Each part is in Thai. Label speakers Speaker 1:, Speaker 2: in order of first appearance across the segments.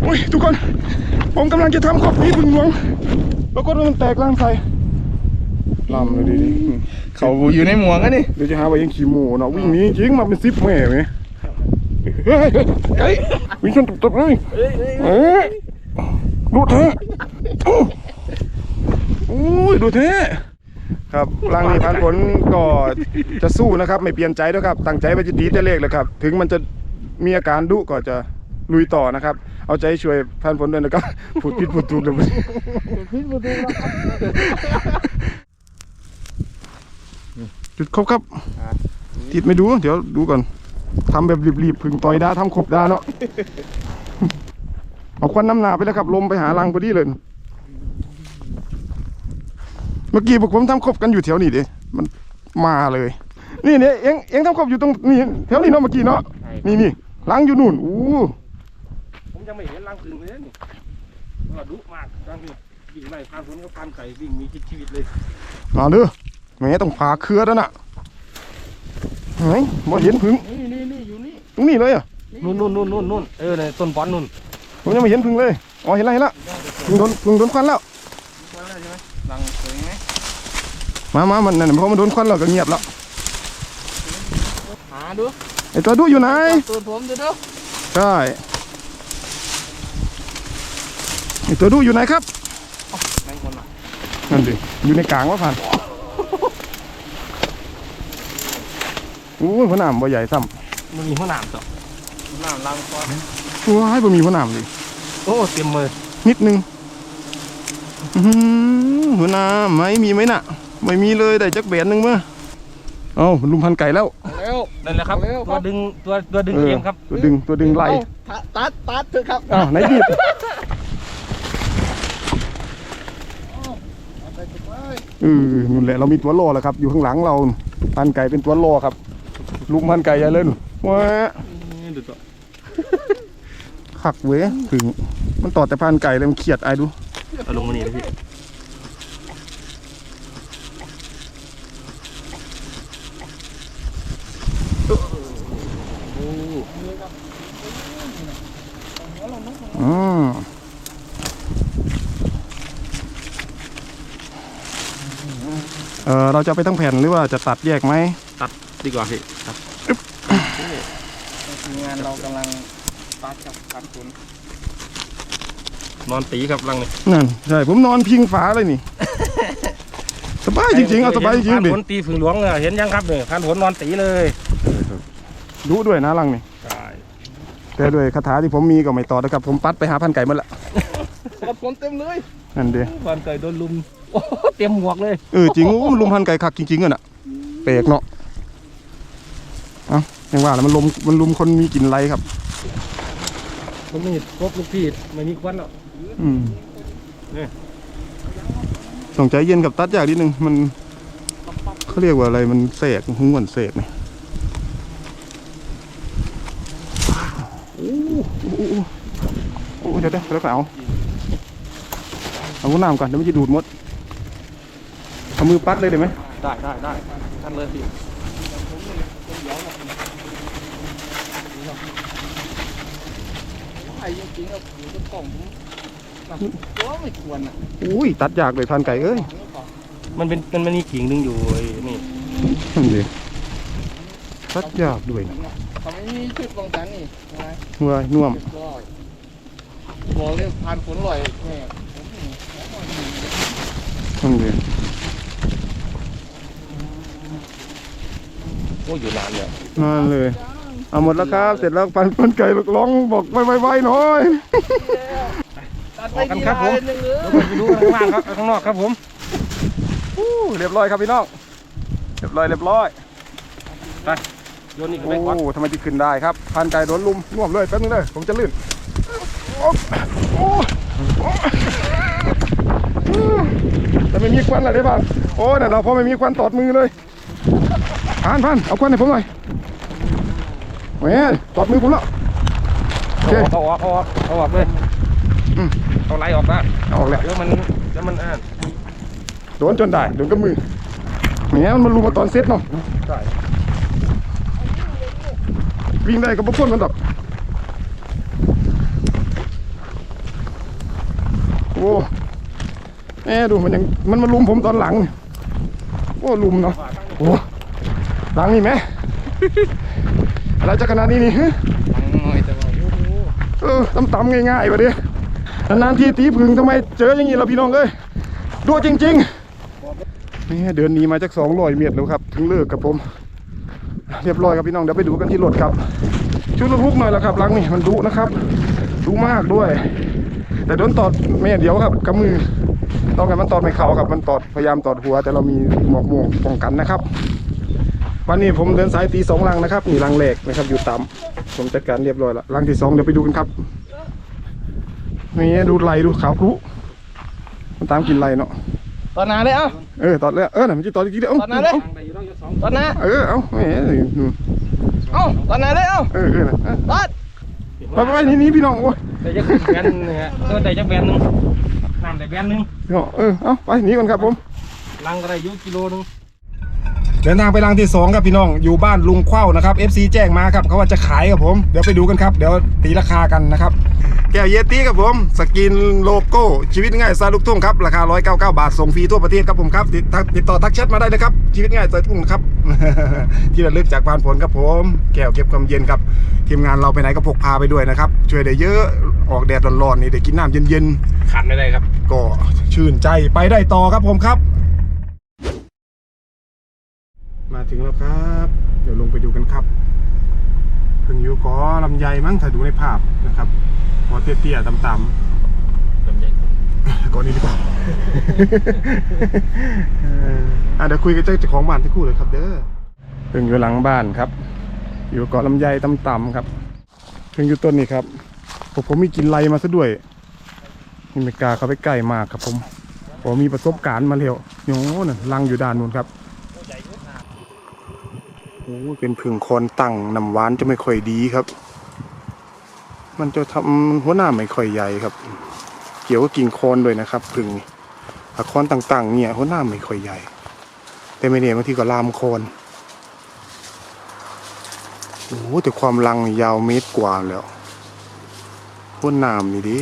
Speaker 1: อ้ยทุกคนผมกำลังจะทำขอบพี่พึ่งหลวงแล้วก็มันแตกล่างใส่ลำเลยดิ
Speaker 2: เขาอยู่ในหมวกกันนี่
Speaker 1: เดี๋ยวจะหาว่ายังขี่โม่เนาะวิ่งนี้จริงมาเป็น10 แม่ไหมเฮ้ยวิ่งชนตบเลยดูเท่อุ้ยดูเท่ครับร่างนี้ผ่านผลก็จะสู้นะครับไม่เปลี่ยนใจด้วยครับตั้งใจไปจะตีแต่เลขเลยครับถึงมันจะมีอาการดุก็จะลุยต่อนะครับเอาใจช่วยผ่านผลด้วยนะครับพูดผิดพูดถูกเลยจุดครบครับติดไม่ดูเดี๋ยวดูก่อนทำแบบรีบๆพึ่งต่อยด้าทำขบด้าเนาะเอาควันน้ำหนาไปแล้วครับลมไปหารังพอดีเลยเมื่อกี้พวกผมทำขบกันอยู่แถวนี้ดิมันมาเลยนี่เนี่ยเอ็งทำขบอยู่ตรงนี้แถวนี้เนาะเมื่อกี้เนาะนี่รังอยู่นู่น
Speaker 3: ผมยังไม่เห็นรังอื่นเลยนี่ว่าดุมากรังนี้วิ่งไล่พาฝนก็พันไก่วิ่งมีชีวิตเลย
Speaker 1: มาเด้อแม่ต้องผ่าเครือแล้วน่ะเฮ้ยบ่เห็นพึ่ง
Speaker 3: นี่อยู่นี่
Speaker 1: ตรงนี้เลยอ่ะ
Speaker 3: นู่นในต้นบอนนู่น
Speaker 1: ผมยังไม่เห็นพึ่งเลยอ๋อเห็นแล้วพึ่งโดนควันแล้ว
Speaker 3: ใช่ไหมรังสวยไหม
Speaker 1: มามันนั่นเพราะมันโดนควันแล้วก็เงียบแล้ว
Speaker 3: หาดู
Speaker 1: ไอตัวดูอยู่ไหน
Speaker 3: ตัวผมดู
Speaker 1: ใช่ไอตัวดูอยู่ไหนครับนั่นดิอยู่ในกลางวะผ่านหัวหนามบ่ใหญ่ซ้
Speaker 3: ำมันมีหัวหนามต่อหัวหนามรังก้อน
Speaker 1: ว้ายบ่มีหัวหนามเลย
Speaker 3: โอ้เต็มมือ
Speaker 1: นิดนึงหัวหนามไม่มีไหมน่ะไม่มีเลยได้จักแบนนึงมั้ยเอ้าลุมพันไก่แล้ว
Speaker 3: นั่นแหละครับตัวดึงเกมครับ
Speaker 1: ตัวดึงไล่
Speaker 3: ตัดเถอะครับ
Speaker 1: อ้าวไหนบีบนู่นแหละเรามีตัวโล่แล้วครับอยู่ข้างหลังเราพันไก่เป็นตัวโล่ครับลุมพันไก่อย่าเล่นว้าขักเว้ยถึงมันต่อแต่พันไก่เลยมันเขียดไอ้ดู
Speaker 3: เอาลงมานี่นะพี่
Speaker 1: เราจะไปทั้งแผ่นหรือว่าจะตัดแยกไหม
Speaker 3: ตัดดีกว่าพี่ครับงานเรากำลังตัดกับการฝนนอนตีครับรังนี่
Speaker 1: นั่นใช่ผมนอนพิงฝาเลยนี่สบายจริงๆเอาสบายจริง
Speaker 3: ดิฝนตีฝนหลวงเห็นยังครับเนี่ยพันฝนนอนตีเลย
Speaker 1: รู้ด้วยนะรังนี่ใช่แต่ด้วยคาถาที่ผมมีก็ไม่ต่อนะครับผมปัดไปหาพันไก่หมดละ
Speaker 3: ฝนเต็มเลย
Speaker 1: นั่นเดี
Speaker 3: พันไก่โดนลุมโอ้เต็มหมวกเลย
Speaker 1: จริงมันลุมพันไก่ขักจริงๆอ่ะเปรกเนาะยังว่าแล้วมันลุมคนมีกลิ่นไรครับ
Speaker 3: มันมีครบลูกพี่ไม่มีควันหรอก
Speaker 1: ต้องใจเย็นกับตัดยากนิดนึงมันเขาเรียกว่าอะไรมันเสกหุ้งเหมือนเสกเนี่ยเดี๋ยวแล้วก็เอาหัวหนามก่อนเดี๋ยวมันจะดูดมดเอามือปัดเลยได้ไหม
Speaker 3: ได้ท่านเลยพี่ไอ้จริงๆเราอยู่ต้นกล่องตัวไม่ควรอ่ะ
Speaker 1: อุ้ยตัดยากเลยพันไก่
Speaker 3: มันมีกิ่งนึงอยู่นี่
Speaker 1: ดิตัดยากด้วย
Speaker 3: เขาไม่มีชุดป้องกันนี่
Speaker 1: น่วม
Speaker 3: บอกเลยผ่านฝนลอยแม่
Speaker 1: ดิ
Speaker 3: โอ้อยู่นาน
Speaker 1: เลยเอาหมดแล้วครับเสร็จแล้วพันไก่ร้องบอกไวๆหน่อย
Speaker 3: กันครับผมไปดูข้างล่างครับข้างนอกครับผม
Speaker 1: เรียบร้อยครับพี่น้องเรียบร้อย
Speaker 3: ไปโยนนี่ไปก่อน
Speaker 1: ทำไมจะขึ้นได้ครับพันไก่โดนลุมน่วมเลยแป๊บนึงเลยผมจะลื่นแต่ไม่มีควันอะไรได้บ้างโอ้เนี่ยเราพอไม่มีควันตอดมือเลยพันเอาควันให้ผมหน่อยแหมตอดมือผมแล้ว
Speaker 3: เอาออกเลยเอาไหลออกได้
Speaker 1: ออกแล้ว
Speaker 3: เดี๋ยวมัน
Speaker 1: โดนจนได้โดนกับมือแหมมันลุมมาตอนเซตเนาะใช่วิ่งได้กับพวกคนมันแบบโอ้แม่ดูมันยังมันมาลุมผมตอนหลังโอ้ลุมเนาะโอ้หลังนี่ไหม อะไรจะขนาดนี้นี่ฮะ
Speaker 2: ลังหน่อยแต่ว่าโอ้โห
Speaker 1: ตำๆง่ายๆวะดินานๆทีตีพึ่งทำไมเจออย่างนี้ล่ะพี่น้องเอ้ยดูจริงๆนี่เดินหนีมาจาก200 เมตรแล้วครับถึงเลิกกับผมเรียบร้อยครับพี่น้องเดี๋ยวไปดูกันที่รถครับชุดระบุกหน่อยแล้วครับหลังนี่มันดุนะครับดุมากด้วย แต่โดนตอดแม่เดี๋ยวครับกับมือต้องกันมันตอดไม่เข่าครับมันตอดพยายามตอดหัวแต่เรามีหมวกม่วงป้องกันนะครับวันนี้ผมเดินสายตี2 ลังนะครับนี่ลังแรกนะครับอยู่ต่ำผมจัดการเรียบร้อยแล้วลังที่2เดี๋ยวไปดูกันครับนี่ดูไหลดูขาวครุมันตามกินไหลเนาะ
Speaker 2: ตอนหน้าเลยเอ้า
Speaker 1: ตอดแล้วน่ะมันจะตอดอีกทีเดียว
Speaker 2: ตอดหน้าเลย
Speaker 3: ไปอยู่ต้องยศ2
Speaker 2: ตอนหน้า
Speaker 1: เอาแหม
Speaker 2: เอ้าตอนหน้าเลยเอ้า
Speaker 1: นะ
Speaker 2: ตอด
Speaker 1: ไปนี่พี่น้องโอ้ย
Speaker 3: แต่จะแบนนึงฮะแต่จะแบนนึงน้ำแต่แบนนึง
Speaker 1: เอาไปหนีก่อนครับผม
Speaker 3: ลังก็ได้อยู่กิโลนึง
Speaker 1: เดินทางไปรังที่2ครับพี่น้องอยู่บ้านลุงเข้านะครับ FC แจ้งมาครับเขาว่าจะขายกับผมเดี๋ยวไปดูกันครับเดี๋ยวตีราคากันนะครับแก้วเยตี้ครับผมสกินโลโก้ชีวิตง่ายสไตล์ลูกทุ่งครับราคา199 บาทส่งฟรีทั่วประเทศครับผมครับติดต่อทักแชทมาได้เลยครับชีวิตง่ายสไตล์ลูกทุ่งครับ ที่ระลึกจากพานผลครับผมแก้วเก็บความเย็นครับทีมงานเราไปไหนก็พกพาไปด้วยนะครับช่วยได้เยอะออกแดดร้อนๆนี่ได้กินน้ำเย็น
Speaker 3: ขันไม่ได้ครับ
Speaker 1: ๆก็ชื่นใจไปได้ต่อครับผมครับมาถึงแล้วครับเดี๋ยวลงไปดูกันครับเพิ่งอยู่ก่อลำไยมั้งถ้าดูในภาพนะครับก่อเตี้ยๆต่ำ
Speaker 3: ลำไย
Speaker 1: ๆก่อนนี้ดีกว่า เดี๋ยวคุยกับเจ้าของบ้านที่คู่เลยครับเด้อเพิ่งอยู่หลังบ้านครับอยู่เกาะลำไยต่ำๆครับเพิ่งอยู่ต้นนี้ครับผมมีกินไรมาซะด้วยไม่กล้าเข้าไปใกล้มากครับผมมีประสบการณ์มาแล้วโอ้โหน่ะรังอยู่ด้านนู้นครับโอ้เป็นผึ่งคอนตั้งน้ำหวานจะไม่ค่อยดีครับมันจะทำหัวหน้าไม่ค่อยใหญ่ครับเกี่ยวกับกิ่งคอนด้วยนะครับผึ่งถ้าคอนต่างๆเนี่ยหัวหน้าไม่ค่อยใหญ่แต่ไม่เนี่ยบางทีก็ลามคอนโอ้แต่ความรังยาวเมตรกว่าแล้วหัวหน้านี่ดิ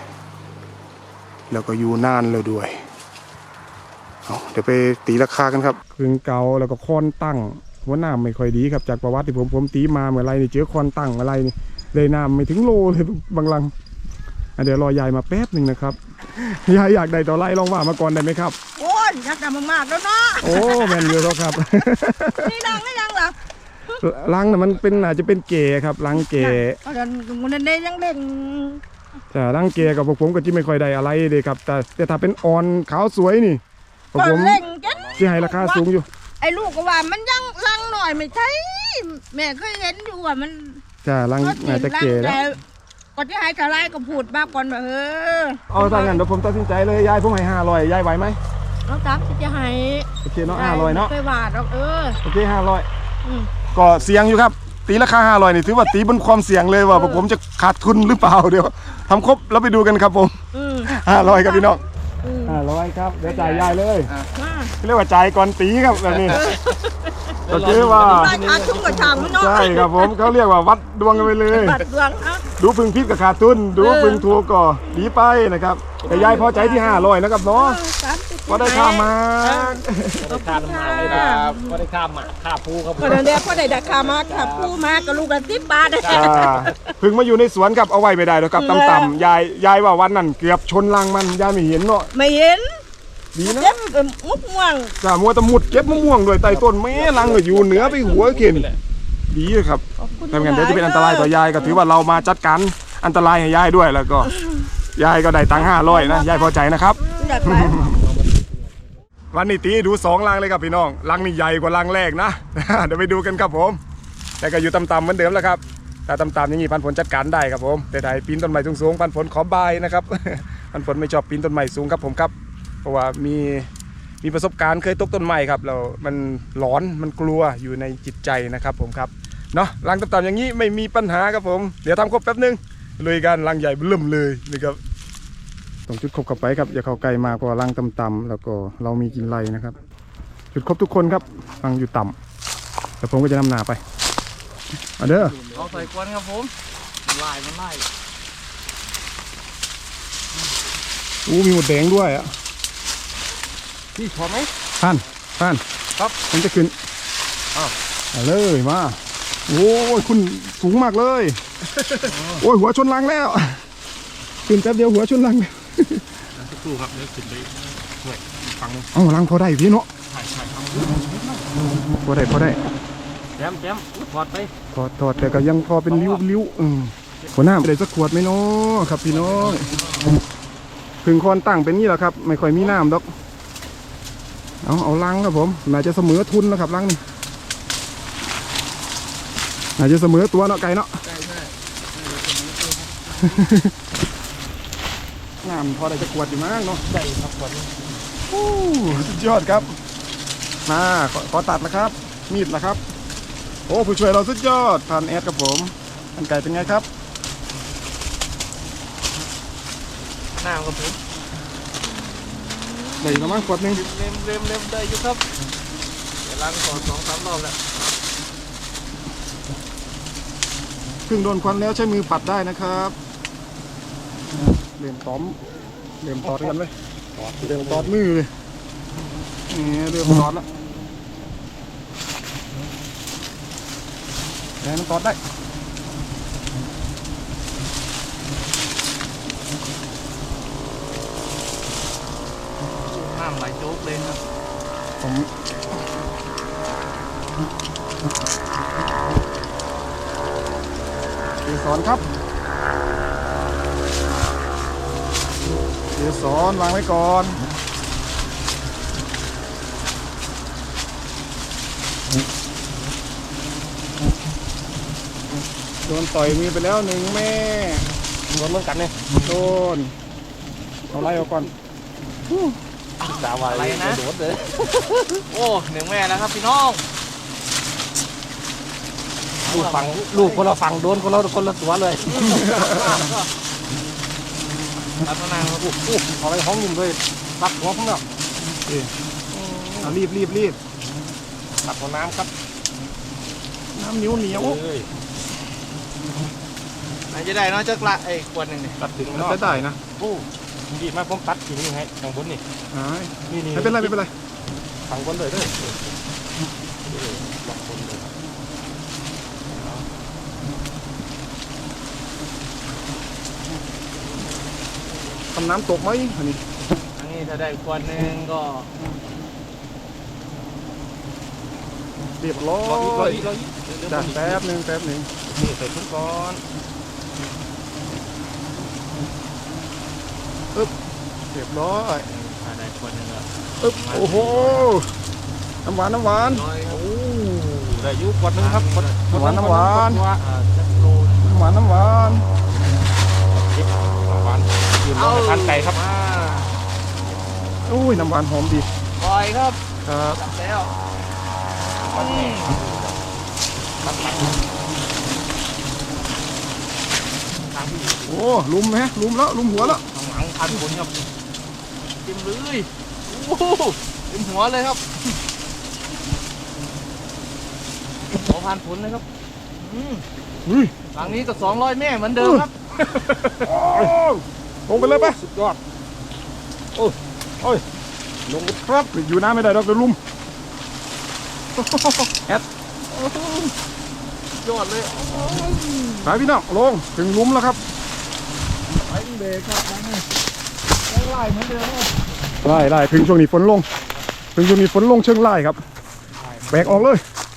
Speaker 1: แล้วก็อยู่นานเลยด้วยเดี๋ยวไปตีราคากันครับผึ่งเก่าแล้วก็คอนตั้งหัวหน้าไม่ค่อยดีครับจากประวัติที่ผมตีมาเมื่อไรนี่เจอคอนตั้งอะไรนี่เลยน้ำไม่ถึงโลเลยบางลังเดี๋ยวรอยายมาแป๊บหนึ่งนะครับยายอยากได้ต่อไรลองว่ามาก่อนได้ไหมครับ
Speaker 4: โอ้ยยักษ์ดำมากๆแล้วเนาะ
Speaker 1: โอ้แมนเยอะแล้วครับ
Speaker 4: นี่ดังไม่ดังเหรอ
Speaker 1: ลังน่ะมันเป็นอาจจะเป็นเกครับลังเก
Speaker 4: เดี๋ยวมันได้ยังเด้ง
Speaker 1: แต่ลังเกกับพวกผมก็จะไม่ค่อยได้อะไรเลยครับแต่ถ้าเป็นออนขาวสวยนี่พวก
Speaker 4: ก็
Speaker 1: ผม
Speaker 4: เล่งกัน
Speaker 1: ที่ให้ราคาสูงอยู่
Speaker 4: ไอ้ลูกก็ว่ามันยังลังหน่อยไม่ใช่แม่เคยเห็นอยู่ว่ามัน
Speaker 1: จ้าลังอาจจะเกแล้ว
Speaker 4: ก่อนที่ให้ทลายก็พูดมาก่อนว่า
Speaker 1: เอาถ้างั้นเดี๋ยวผมตัดสินใจเลยยายผมให้500ยายไหวไหม
Speaker 4: น้องตามสิจะให้
Speaker 1: โอเคเนาะ500เนาะ
Speaker 4: เคยวาดหรอก
Speaker 1: โอเค
Speaker 4: อืม
Speaker 1: 500ก็เสี่ยงอยู่ครับตีราคา500นี่ถือว่าตีบนความเสี่ยงเลยว่าพวกผมจะขาดทุนหรือเปล่าเดี๋ยวทำครบแล้วไปดูกันครับผม
Speaker 4: อืม
Speaker 1: 500ครับพี่น้อง
Speaker 4: อืม
Speaker 1: 500ครับเดี๋ยวจ่ายยายเลย
Speaker 4: มา
Speaker 1: เรียกว่าจ่ายก่อนตีครับแบบนี้ก็คือว่า
Speaker 4: ได้ขาดทุนกับช่างไม่น้อย
Speaker 1: ใช่ครับผมเขาเรียกว่าวัดดวงกันไปเลย
Speaker 4: บัดดวงอ่ะ
Speaker 1: ดูพึงพิษกับขาดทุนดูพึงถูกก็ดีไปนะครับแต่ยายพอใจที่500นะครับเนาะ
Speaker 4: 30
Speaker 1: ก็ได้ค่ามา
Speaker 4: ขอบคุณค่ะ
Speaker 3: ก็ได้ข้ามหมาข้าภูครับ
Speaker 4: ก็เดี๋ยวพอได้ราคามาค่ะผู้มาก็ลูกละ10 บาท
Speaker 1: พึงมาอยู่ในสวนครับเอาไว้ไม่ได้หรอกครับต่ำๆยายว่าวันนั้นเกือบชนรังมันยายไม่เห็นเนาะ
Speaker 4: ไม่เห็น
Speaker 1: ดีนะ
Speaker 4: เจ็บมุกม่วง
Speaker 1: จ้ามัวแตะมุดเก็บมะม่วงโดยใต้ต้นแม่รังก็อยู่เหนือไปหัวเข็นดีเลยครับ
Speaker 4: ขอบคุณ
Speaker 1: แต่งั้นเดี๋ยวจะเป็นอันตรายต่อยายก็ถือว่าเรามาจัดการอันตรายให้ยายด้วยแล้วก็ยายก็ได้ตังค์500นะยายพอใจนะครับ
Speaker 4: อยากไป
Speaker 1: วันนี้ตีดู2ลังเลยครับพี่น้องลังนี่ใหญ่กว่าลังแรกนะ เดี๋ยวไปดูกันครับผมแต่ก็อยู่ต่ำๆเหมือนเดิมแล้วครับแต่ต่ำๆอย่างนี้พันผลจัดการได้ครับผมแต่ถ้าปีนต้นไม้สูงๆพันผลขอบายนะครับ พันผลไม่ชอบปีนต้นไม้สูงครับผมครับเพราะว่ามีประสบการณ์เคยตกต้นไม้ครับแล้วมันหลอนมันกลัวอยู่ในจิตใจนะครับผมครับเนาะลังต่ำๆอย่างนี้ไม่มีปัญหาครับผมเดี๋ยวทำครบแป๊บนึงลุยกันลังใหญ่เริ่มเลยนะครับต้องจุดครบกับไปครับอย่าเข้าใกล้มากเพราะลังต่ำๆแล้วก็เรามีกินไรนะครับจุดครบทุกคนครับลังอยู่ต่ำแต่ผมก็จะนำหน้าไปเอาเด้อ
Speaker 2: เอาใส่กวนครับผมมันไล่
Speaker 1: มีหมดแดงด้วยอ่ะ
Speaker 3: พี่ชอบไหม
Speaker 1: ท่านครับมันจะขึ้นเอาเลยมาโอ้ยคุณสูงมากเลย โอ้ยหัวชนรังแล้วขึ้นแป๊บเดียวหัวชนรัง
Speaker 3: สักครู่ครับเดี๋ยวขึ้นไปหน่วยฟังนึง
Speaker 1: เอารังพอได้พี่เนาะ
Speaker 3: ใช่ครับ
Speaker 1: พอได้
Speaker 3: แจมถอดไป
Speaker 1: ถอดแต่ก็ยังพอเป็นริ้วหัวหน้าได้สักขวดไหมเนาะครับพี่น้องพึ่งคอนตั้งเป็นนี่แหละครับไม่ค่อยมีน้ำดอกเอาลังครับผมน่าจะเสมอทุนนะครับลังนี่น่าจะเสมอตัวเนาะไก่เนาะ
Speaker 2: ใช่
Speaker 1: น้ำพอได้จะขวดอยู่มั้งเนาะ
Speaker 3: ได้ครับก่อน
Speaker 1: โอ้สุดยอดครับมาขอตัดนะครับ มีดนะครับโอ้ผู้ช่วยเราสุดยอดทานแอดครับผมอันไก่เป็นไงครับ
Speaker 2: น้ำครับผม
Speaker 1: ได้ประมาณขวดหนึง
Speaker 2: เล็มได้อยู่ครับเดี๋ยวล้างก่อน2-3 รอบแล้ว
Speaker 1: ครึ่งโดนควันแล้วใช้มือปัดได้นะครับเริ่มต้อมเริ่มตอดกันเลยเริ่มตอดมือเลยนี่เริ่มตอดแล้วแล้วมันตอดได้
Speaker 2: น้ำไหลโจ๊กเลยครับ
Speaker 1: ผมเกสรครับเกสรวางไว้ก่อนโดนต่อยมือไปแล้ว1 แม่
Speaker 3: รวมเหมือนกันเนี่ย
Speaker 1: โดนเอาไล่ออกก่อน
Speaker 3: ดาวอะไรนะโดดเลย
Speaker 2: โอ้1 แม่แล้วครับพี่น้อง
Speaker 3: ลูกคนละฝั่งโดนคนละตัวเลย
Speaker 2: รับนานครับ
Speaker 3: เอาไปห้องยุ่มเลยตัดหัวผมแล้ว
Speaker 1: เอารีบ
Speaker 3: ตัดหัวน้ำครับ
Speaker 1: น้ำเหนียว
Speaker 2: ไหนจะได้เนาะจักละขวดหนึ่งนี่
Speaker 3: ตัดถึง
Speaker 1: มัน
Speaker 3: นอก
Speaker 1: จะได้นะ
Speaker 3: โอ้ดีมากผมตัดทีนี้ให้ทางบนนี่
Speaker 1: หาย
Speaker 3: นี่
Speaker 1: ไม่เป็นไร
Speaker 3: ทางบนเลยด้วยหลังบนเลย
Speaker 1: ทำน้ำตกไหมอันนี้
Speaker 2: อันนี้ถ้าได้ขวดหนึ่งก็
Speaker 1: เรียบร้อ
Speaker 3: รอย
Speaker 1: จ้ะแป๊บหนึ่ง
Speaker 3: นี่ใส่ชุดก่อน
Speaker 1: เรียบร้อย
Speaker 2: ถ้าได้ขวดหนึ่งก็
Speaker 1: โอ้โหน้ำหวาน
Speaker 2: ร้อยครับ
Speaker 3: โอ้ได้ยุกดนึงครับ
Speaker 1: น้ำหวาน
Speaker 2: จักโลนึง
Speaker 1: น้ำหวาน
Speaker 3: น้ำหวานยืนลงทานไก่ครับ
Speaker 1: อุ้ยน้ำหวานหอมดี
Speaker 2: ปล่อยครับ
Speaker 1: ครับ
Speaker 2: จับแล้ว
Speaker 1: โอ้ลุมแล้วลุมหัวแล้ว
Speaker 2: ข้างหลังพันผลครับจิ้มเลยโอ้โหจิ้มหัวเลยครับหัวพันผลเลยครับหลังนี้ก็200 แม่เหมือนเดิมครับ
Speaker 1: ลงไปเลยปะ
Speaker 3: สุดยอดโอ้ยลงครับ
Speaker 1: อยู่น้ำไม่ได้ดอกเดี๋ยวลุม
Speaker 2: ยอดเลย
Speaker 1: ไปพี่น้องลงถึงลุมแล้วครับ
Speaker 2: ไปเบรกครับยังไล่เหมือนเดิมครับ
Speaker 1: ไล่ถึงช่วงนี้ฝนลงเชิงไล่ครับแบกออกเลย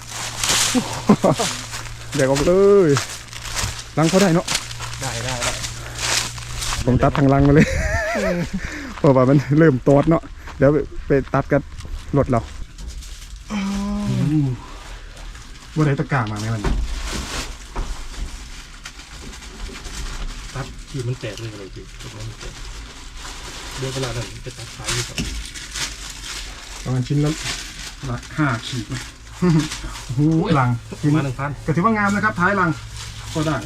Speaker 1: แบกออกเลยลังเขาได้เนาะ
Speaker 3: ได้
Speaker 1: ผมตัดทางลังมาเลยเพราะว่ามันเริ่มตอดเนาะเดี๋ยวไปตัดกันรถเราว่าได้ตะกร้ามาไหมมัน
Speaker 3: ตัดที่มันแตกเลยอะไรพี่เดี๋ยวเวลานั้นไปตัดสายอยู่ก่อน
Speaker 1: ประมาณชิ้นละ5 ขีดนะโอ้โหลังชิ้น
Speaker 3: มา1,000
Speaker 1: ก็ถือว่างามนะครับท้ายลังก็ได้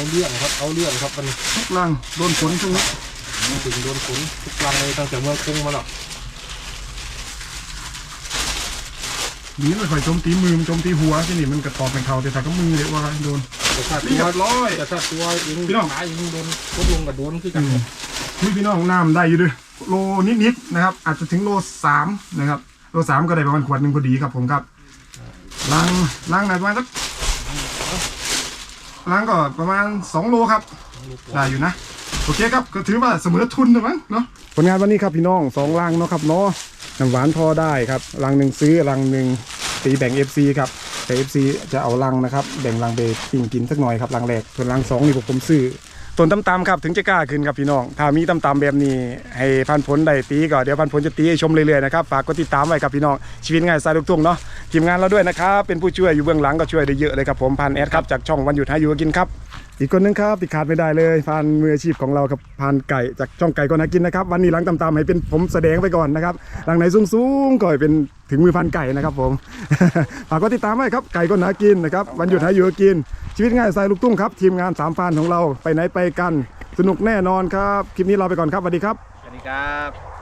Speaker 3: เรื่องครับเอาเรื่องครับมัน
Speaker 1: ทุกรังโดนฝนช่วงนี้
Speaker 3: ถึงโดนฝนทุกรังเลยตั้งแต่เมืองกรุงมาหรอก
Speaker 1: ดีไม่ค่อยโจมตีมือมันโจมตีหัวที่นี่มันกระตอบเป็นเขาแต่ถ้าก็มือเดี๋ยวว่าโดน
Speaker 3: แต่ถ้า
Speaker 1: เรียบร้อย
Speaker 3: แต่ถ้าตัวเอง
Speaker 1: พี่น้อง
Speaker 3: ขาเองโดนลดลงกับโดนคือกัน
Speaker 1: พี่น้องน้ำได้อยู่ด้วยโลนิดๆนะครับอาจจะถึงโล3นะครับโล3ก็ได้ประมาณขวดหนึ่งพอดีครับผมครับล้างไหนประมาณสักล้างก็ประมาณ2โลครับได้อยู่นะโอเคครับก็ถือว่าเสมอทุนนะมั้งเนาะผลงานวันนี้ครับพี่น้อง2ลังเนาะครับเนาะน้ำหวานพอได้ครับลังหนึ่งซื้อลังหนึ่งตีแบ่ง FC ครับแต่ FC จะเอาลังนะครับแบ่งลังไปปิ้งกินสักหน่อยครับลังแรกส่วนลัง2นี่ผมซื้อต้นตำๆครับถึงจะกล้าขึ้นครับพี่น้องถ้ามีตำๆแบบนี้ให้พันผลได้ตีก็เดี๋ยวพันผลจะตีให้ชมเรื่อยๆนะครับฝากกดติดตามไว้ครับพี่น้องชีวิตง่ายสายลูกทุ่งเนาะทีมงานเราด้วยนะครับเป็นผู้ช่วยอยู่เบื้องหลังก็ช่วยได้เยอะเลยครับผมพันแอดครับจากช่องวันหยุดหาอยู่กินครับอีกคนนึงครับที่ขาดไม่ได้เลยพันมืออาชีพของเราครับพันไก่จากช่องไก่ก็น่ากินนะครับวันนี้หลังตำๆให้เป็นผมแสดงไปก่อนนะครับหลังไหนสูงๆก็ให้เป็นถึงมือพันไก่นะครับผม ฝากกดติดตามไว้ครับไก่ก็น่ากินนะครับวันหยุดหาอยู่กินชีวิตง่ายสายลูกทุ่งครับทีมงาน3พันของเราไปไหนไปกันสนุกแน่นอนครับคลิปนี้ลาไปก่อนครับสวัสดีครับ
Speaker 2: สวัสดีครับ